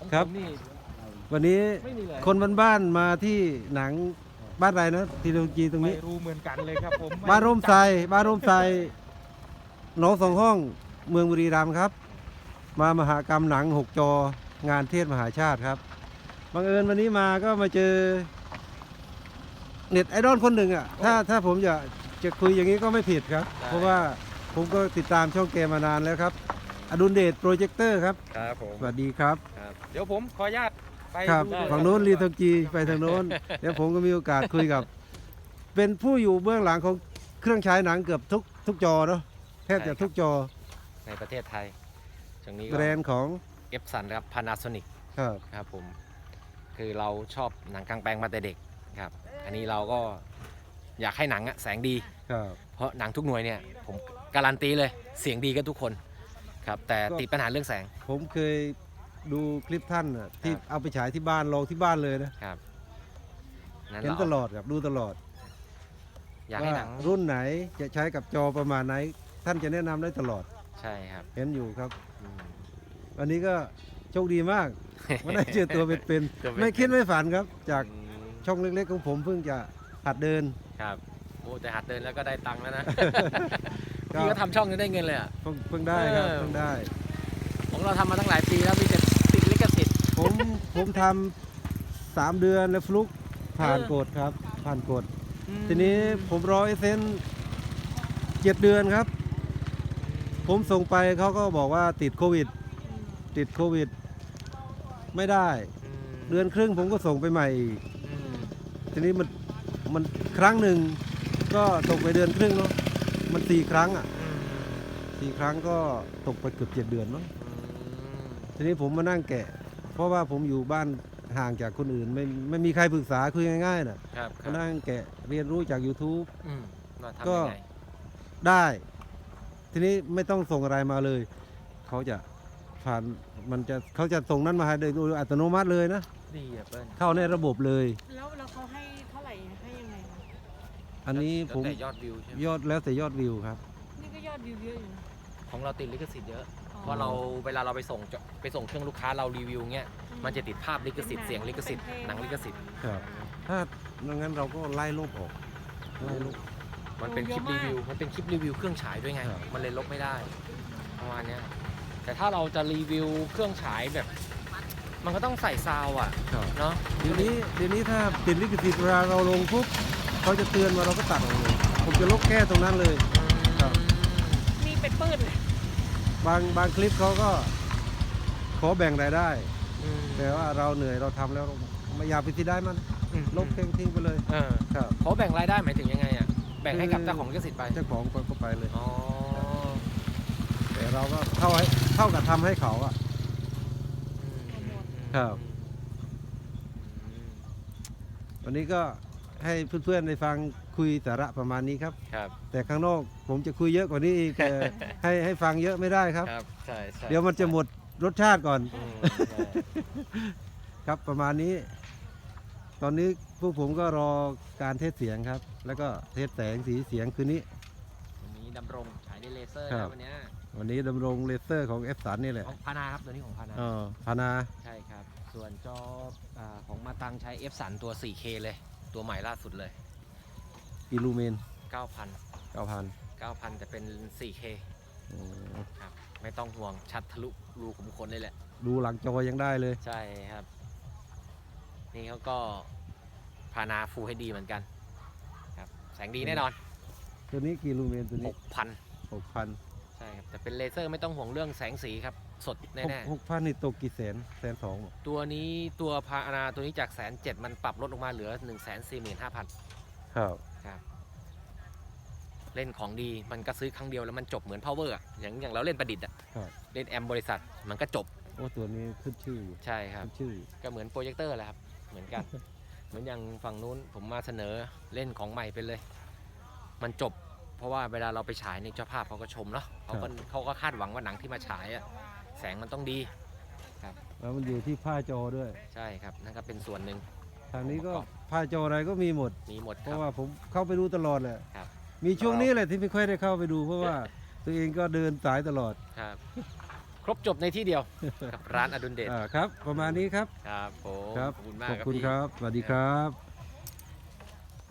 ครับวันนี้คนบ้านๆมาที่หนังบ้านอะไรนะทีโลจีตรงไม่นี้รู้เหมือนกันเลยครับผมบ้านร่มไทรบ้านร่มไทรหนองสองห้องเมืองบุรีรัมย์ครับ มามหกรรมหนัง6 จองานเทศมหาชาติครับบังเอิญวันนี้มาก็มาเจอเน็ตไอดอลคนหนึ่งอ่ะถ้าผมจะคุยอย่างนี้ก็ไม่ผิดครับ เพราะว่าผมก็ติดตามช่องเกมมานานแล้วครับอดุลเดชโปรเจคเตอร์ครับครับผมสวัสดีครับครับเดี๋ยวผมขออนุญาตไปครับดูฝั่งโน้นรีทองจีไปทางโน้น เดี๋ยวผมก็มีโอกาสคุยกับ เป็นผู้อยู่เบื้องหลังของเครื่องฉายหนังเกือบทุกจอเนาะแทบจะทุกจอในประเทศไทยช่วงนี้แบก็รนด์ของเอฟสันครับ Panasonic ครับครับผมคือเราชอบหนังกลางแปลงมาแต่เด็กครับอันนี้เราก็อยากให้หนังอะแสงดีครับเพราะหนังทุกหน่วยเนี่ยผมการันตีเลยเสียงดีกันทุกคนครับแต่ติดปัญหาเรื่องแสงผมเคยดูคลิปท่านน่ะที่ครับเอาไปฉายที่บ้านลองที่บ้านเลยนะครับนั้นเห็นเราตลอดครับดูตลอดอยากให้ว่าหนังรุ่นไหนจะใช้กับจอประมาณไหน ท่านจะแนะนำได้ตลอดใช่ครับเห็นอยู่ครับอืมวันนี้ก็โชคดีมากว่าได้เจอตัวเป็นตัวเป็นๆไม่คิดไม่ฝันครับ จากอืมช่องเล็กๆของผมเพิ่งจะหัดเดินครับโอ้แต่หัดเดินแล้วก็ได้ตังค์แล้วนะก็พี่ก็ทำช่องยังได้เงินเลยอ่ะเพิ่งได้ครับเออเพิ่งได้ของเราทำมาตั้งหลายปีแล้วมีแต่ติดลิขสิทธิ์ผมทำ3 เดือนแล้วฟลุกผ่านกฎครับ ผ่านกฎ ทีนี้ผมรอไอเซน7 เดือนครับ ผมส่งไปเขาก็บอกว่าติดโควิด ไม่ได้ เดือนครึ่งผมก็ส่งไปใหม่อีก ทีนี้มันครั้งหนึ่งก็ตกไปเดือนครึ่งเนาะมัน4 ครั้งอ่ะ4 ครั้งก็ตกไปเกือบ7 เดือนเนาะทีนี้ผมมานั่งแกะ เพราะว่าผมอยู่บ้านห่างจากคนอื่นไม่มีใครปรึกษาคุยง่ายๆนะครับ มานั่งแกะเรียนรู้จาก YouTube ว่าทำก็ยังไงได้ ทีนี้ไม่ต้องส่งอะไรมาเลย เขาจะผ่านเขาจะส่งนั้นมาให้โดยอัตโนมัติเลยนะดีอ่ะเปิ้ลเข้าในระบบเลยแล้วเขาให้เท่าไหร่ให้ยังไงคะอันนี้ผมแล้วแต่ยอดวิวใช่ไหมยอดแล้วแต่ยอดวิวครับนี่ก็ยอดวิวเยอะอยู่นะของเราติดลิขสิทธิ์เยอะอ๋อเพราะเราเวลาเราไปส่งเครื่องลูกค้าเรารีวิวเงี้ยมันจะติดภาพลิขสิทธิ์เสียงลิขสิทธิ์หนังลิขสิทธิ์ครับ ถ้างั้นเราก็ไล่ลบออกไล่ลบมันเป็นคลิปรีวิวเครื่องฉายด้วยไงครับมันเลยลบไม่ได้ประมาณเนี้ยแต่ถ้าเราจะรีวิวเครื่องฉายแบบ มันก็ต้องใส่ซาวด์อ่ะครับเนาะเดี๋ยวนี้ถ้าติดลิขสิทธิ์เวลาเราลงปุ๊บเขาจะเตือนมาเราก็ตัดออกเลย ผมจะลบแค่ตรงนั้นเลย ครับมีเป็นปืนเลยบางคลิปเขาก็ขอแบ่งรายได้อืมแต่ว่าเราเหนื่อยเราทำแล้วเราไม่อยากไปที่ได้มันอืมลบทิ้งไปเลยเออครับเขาแบ่งรายได้หมายถึงยังไงอ่ะแบ่งให้กับเจ้าของลิขสิทธิ์ไปเจ้าของก็ไปเลยอ๋อแต่เราก็เท่ากับทำให้เขาอะ ครับ วันนี้ก็ให้เพื่อนๆได้ฟังคุยสาระประมาณนี้ครับครับแต่ข้างนอกผมจะคุยเยอะกว่านี้อีกแต่ ให้ฟังเยอะไม่ได้ครับครับใช่ใช่เดี๋ยวมันจะหมดรสชาติก่อนอืมใช่ครับประมาณนี้ ตอนนี้พวกผมก็รอการเทสเสียงครับ แล้วก็เทสแสงสีเสียงคืนนี้วันนี้ดำรงฉายด้วยเลเซอร์ครันะบวันเนี้ยวันนี้ดำรงเลเซอร์ของ F3 นี่แหละของพานาครับตัวนี้ของพานาพานาใช่ครับ ส่วนจอของมาตังใช้ F สันตัว 4K เลย ตัวใหม่ล่าสุดเลยอิลูเมน 9,000 9,000 แต่เป็น 4K ครับ ไม่ต้องห่วงชัดทะลุรูขุมขนเลยแหละดูหลังจอยังได้เลยใช่ครับ นี่เขาก็พานาฟูให้ดีเหมือนกันครับแสงดีแน่นอนตัวนี้กี่ลูเมนตัวนี้ 6,000 6,000 ใช่ครับ แต่เป็นเลเซอร์ไม่ต้องห่วงเรื่องแสงสีครับ สดแน่ 6,000 นี่ตกกี่แสน1,200,000บอกๆ ตัวนี้ตัวพานาตัวนี้จาก107,000มันปรับลดลงมาเหลือ 145,000 ครับครับเล่นของดีมันก็ซื้อครั้งเดียวแล้วมันจบเหมือน power อะอย่างเราเล่นประดิษฐ์อะครับเล่นแอมบริษัทมันก็จบโอ้ตัวนี้ขึ้นชื่ออยู่ใช่ครับขึ้นชื่อก็เหมือนโปรเจคเตอร์แหละครับเหมือนกัน เหมือนอย่างฝั่งนู้นผมมาเสนอเล่นของใหม่ไปเลย มันจบ เพราะว่าเวลาเราไปฉายในเจ้าภาพเขาก็ชมเนาะเขาก็คาดหวังว่าหนังที่มาฉายอะแสงมันต้องดีแล้วมันอยู่ที่ผ้าจอด้วยใช่ครับนั่นก็เป็นส่วนหนึ่งทางนี้ก็ผ้าจออะไรก็มีหมดมีหมดเพครัราะบว่าผมเข้าไปดูตลอดแหละครับมีช่วงนี้แหละที่ไม่ค่อยได้เข้าไปดู เพราะว่าตัวเองก็เดินสายตลอดครับครบจบในที่เดียว กับร้านอดุลเดชครับ ประมาณนี้ครับครับผมครับขอบคุณมากขอบครับคุณพี่ครับ สวัสดีครับ